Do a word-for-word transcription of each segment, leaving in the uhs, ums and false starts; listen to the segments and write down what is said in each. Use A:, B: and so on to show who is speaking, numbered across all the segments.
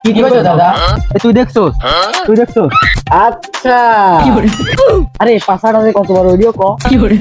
A: কি কইছো দাদা?
B: এ তুই দেখছস? তুই দেখছস?
A: আচ্ছা, আরে পাঁচাটা যে কত বড় ভিডিও ক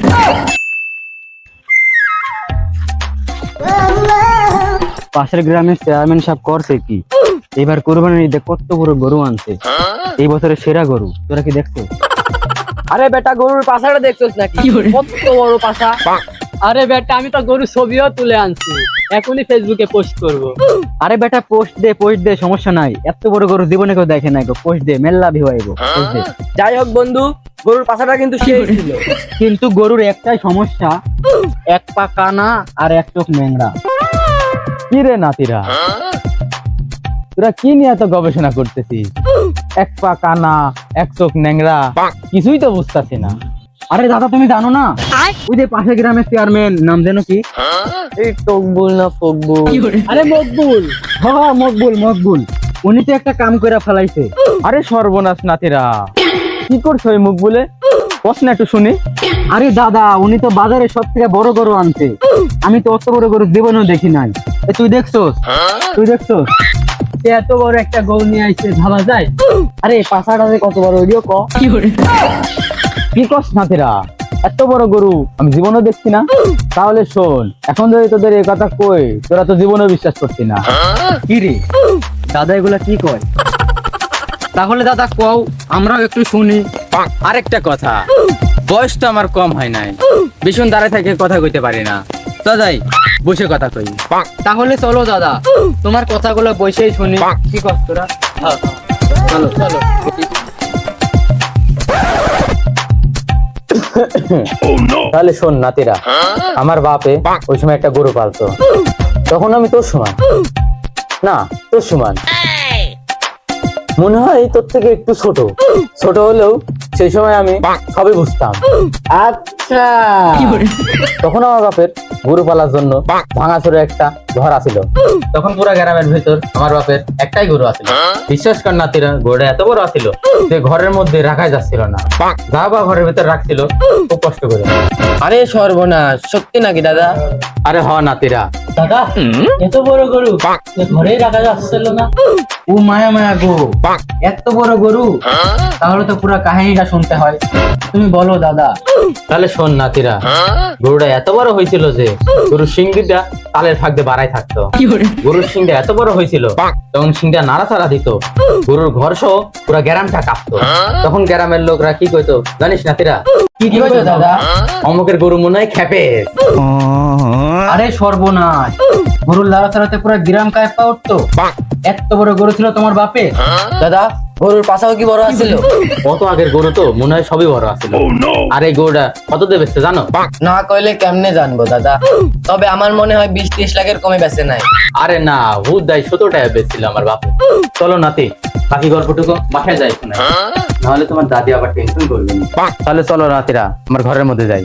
B: পাশের গ্রামের চেয়ারম্যান সাহেব করছে কি, এবার কোরবানির ঈদে কত বড় গরু আনছে, এই বছরের সেরা গরু। তোরা কি দেখছো?
A: আরে বেটা গরুর পাছাটা দেখছস নাকি? কত বড় পাছা।
C: আরে বেটা আমি তো গরু ছবিও তুলে আনছি, এখনই ফেসবুকে পোস্ট করব।
B: আরে বেটা পোস্ট দে, পোস্ট দে, সমস্যা নাই। এত বড় গরু জীবনে কেউ দেখে নাই গো, পোস্ট দে, মেল্লা ভিউ আইবো, পোস্ট দে।
A: যাই হোক বন্ধু, গরুর পাছাটা কিন্তু সেই ছিল।
B: কিন্তু গরুর একটাই সমস্যা, এক পা কানা আর এক চোখ ন্যাংরা। কি রে নাতিরা, তোরা কি নিয়ে এত গবেষণা করতেছিস? এক পা কানা, এক চোখ ন্যাংরা, কিছুই তো বুঝতেছি না। আরে দাদা তুমি জানো না, ওই যে পাশের গ্রামের চেয়ারম্যান, নাম জানো কি?
A: এই টকবুল না ফকবুল?
C: আরে মকবুল।
B: হ্যাঁ মকবুল, মকবুল। উনি তো একটা কাম করে ফেলাইছে। আরে সর্বনাশ নাতিরা, কি করছো ওই মকবুলে? প্রশ্ন একটু শুনি। আরে দাদা, উনি তো বাজারে সব থেকে বড় গরু আনছে, আমি তো অত বড় গরু জীবনেও দেখি নাই। এ তুই দেখছস? তুই দেখছস?
C: সে এত বড় একটা গরু নিয়ে আইছে, ভাবা যায়?
A: আরে পাছাটা যে কত বড় ভিডিও ক
B: কি কস নাতিরা, এত বড় গরু আমি জীবনেও দেখছি না। তাহলে শোন, এখন যদি তোদের এই কথা কই, তোরা তো জীবনেও বিশ্বাস করছি না। কি রে দাদা, এগুলা কি কয়? তাহলে দাদা কও, আমরাও একটু শুনি। আরেকটা কথা, বয়স তো আমার কম হয় নাই, ভীষণ দাঁড়ায় থেকে কথা কইতে পারি না। দাদাই বসে কথা কই। তাহলে চলো দাদা, তোমার কথাগুলো বসেই শুনি। কি কস তোরা? চলো চলো। তাহলে শোন নাতিরা, আমার বাপে ওই সময় একটা গরু পালতো, তখন আমি তোর সমান না, তোর সমান মনে হয়, তোর থেকে একটু ছোট ছোট হলেও সেই সময় আমি সবই বুঝতাম।
A: আচ্ছা,
B: তখন আমার বাপের গরু পালার জন্য ভাঙাচোরে একটা ঘর আছিল। তখন পুরা গ্রামের ভেতর আমার বাপের একটাই গরু আছিল। বিশ্বাস কর নাতিরা, গরুটা এত বড় আছিল যে ঘরের মধ্যে রাখাই যাচ্ছিল না। যা বা ঘরের ভেতর রাখছিল খুব কষ্ট করে।
A: আরে সর্বনাশ, সত্যি নাকি দাদা?
B: আরে হ নাতিরা।
C: দাদা এত বড় গরু ঘরেই রাখা যাচ্ছিল না?
B: ও মায়া মায়া গো, এত বড় গরু, তাহলে তো পুরো কাহিনীটা শুনতে হয়। তুমি বলো দাদা। তাহলে শোন নাতিরা, গরুটা এত বড় হয়েছিল যে গরুর সিংটা তালের ফাঁক দিয়ে বাড়াই থাকতো। গরুর সিংটা এত বড় হয়েছিল, তখন সিংটা নাড়াচাড়া দিত, গরুর ঘর সহ পুরো গ্রামটা কাঁপতো। তখন গ্রামের লোকরা কি কইতো জানিস নাতিরা?
A: কি কইছো দাদা?
B: অমুকের গরু মনে হয় খেপে। আরে সর্বনাশ, গরুর লাড়াচাড়াতে পুরো গ্রাম কাঁপা উঠতো। এত বড় গরু ছিল তোমার বাপে?
A: দাদা গরুর পাছাও কি বড় আছিল?
B: কত আগের গরু তো মনে হয় সবই বড় আছিল। আর এই গরুটা কত দিয়ে বেচছে জানো?
A: না কইলে কেমনে জানবো দাদা, তবে আমার মনে হয় বিশ ত্রিশ লাখের কমে বেচে নাই।
B: আরে না, হুদ দাই সতেরো টাকা বেচছিল আমার বাপে। চলো নাতি, বাকি গল্পটুকু বাসায় যাই শোনা, নাহলে তোমার দাদি আবার টেনশন করবে। তাহলে চলো নাতিরা, আমার ঘরের মধ্যে যাই।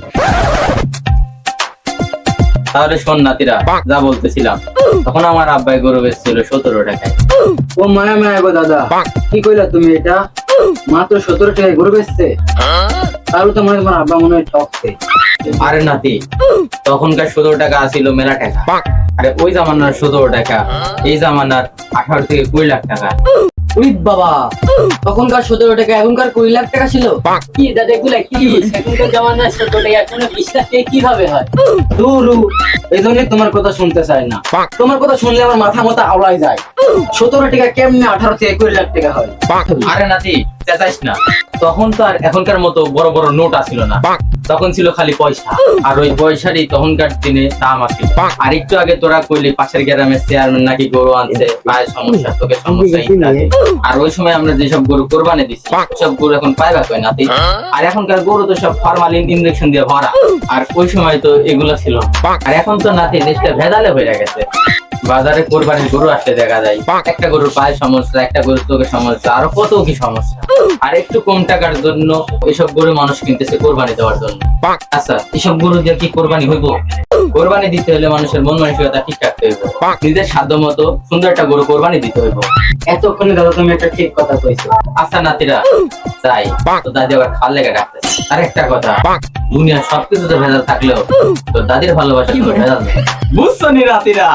B: তাহলে শোন নাতিরা, যা বলতেছিলাম, তখন আমার আব্বাই গরু বেচছিল সতেরো টাকায়। ও মায়া মায়া গো দাদা, কি কইলা তুমি এটা? মাত্র সতেরো টাকায় গরু বেচছে? তাহলে তো মনে হয় তোমার আব্বা মনে হয় ঠকছে। আরে নাতি, তখনকার সতেরো টাকা আসিল মেলা টাকা। আরে ওই জামানার সতেরো টাকা এই জামানার আঠারো থেকে কুড়ি লাখ টাকা।
A: উই বাবা, তখনকার সতেরো টাকা এখনকার কুড়ি লাখ টাকা ছিল?
C: কি দাদা এগুলা কি? এখনকার জামানার ছোট টাকা এখন বিশ লাখ টাকা কিভাবে হয়?
B: দুরু, এই জন্য তোমার কথা শুনতে চাই না। তোমার কথা শুনলে আমার মাথা মাথা আওলাই যায়। সতেরো টাকা কেমনে আঠারো থেকে কুড়ি লাখ টাকা হয়? আরে নাতি চেঁচাইস না, তখন তো আর এখনকার মতো বড় বড় নোট আসিল না, তখন ছিল খালি পয়সা। আর ওই পয়সারই তখনকার দিনে দাম আসিল। আর একটু আগে তোরা কইলি পাশের গ্রামের চেয়ারম্যান নাকি গরু আনছে, পায়ের সমস্যা, চোখের সমস্যা ইত্যাদি। আর ওই সময় আমরা যেসব গরু কোরবানি দিচ্ছি, সব গরু এখন পাইবা কই নাতি? আর এখনকার গরু তো সব ফরমালিন ইনজেকশন দিয়ে ভরা, আর ওই সময় তো এগুলো ছিল না। আর এখন তো নাতি দেশটা ভেজালে হয়ে গেছে। বাজারে কোরবানির গরু আসলে দেখা যায় একটা গরুর পায়ের সমস্যা, একটা গরুর চোখের সমস্যা, আরো কত কি সমস্যা। আর একটু কম টাকার জন্য এসব গরু মানুষ কিনতেছে কোরবানি দেওয়ার জন্য। আচ্ছা, এসব গরু দিয়ে কি কোরবানি হইব? কোরবানি দিতে হলে মানুষের মন মানসিকতা ঠিক রাখতে হইব, নিজের সাধ্য মতো সুন্দর একটা গরু কোরবানি দিতে হইব।
D: এতক্ষণে দাদা তুমি একটা ঠিক কথা কইছো।
B: আচ্ছা নাতিরা যাই, তো দাদি আবার খাল লেগে ডাকতেছে। আর একটা কথা, দুনিয়া সবকিছুতে ভেজাল থাকলেও তো দাদির ভালোবাসা কোনো ভেজাল নেই, বুঝছো নি নাতিরা?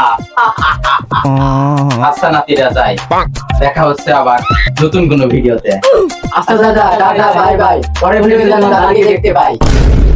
B: আচ্ছা নাতিরা যাই, দেখা হচ্ছে আবার নতুন কোনো ভিডিওতে।
A: আচ্ছা দাদা, টাটা, বাই বাই। পরের ভিডিওতে যেন দাদাকে দেখতে পাই।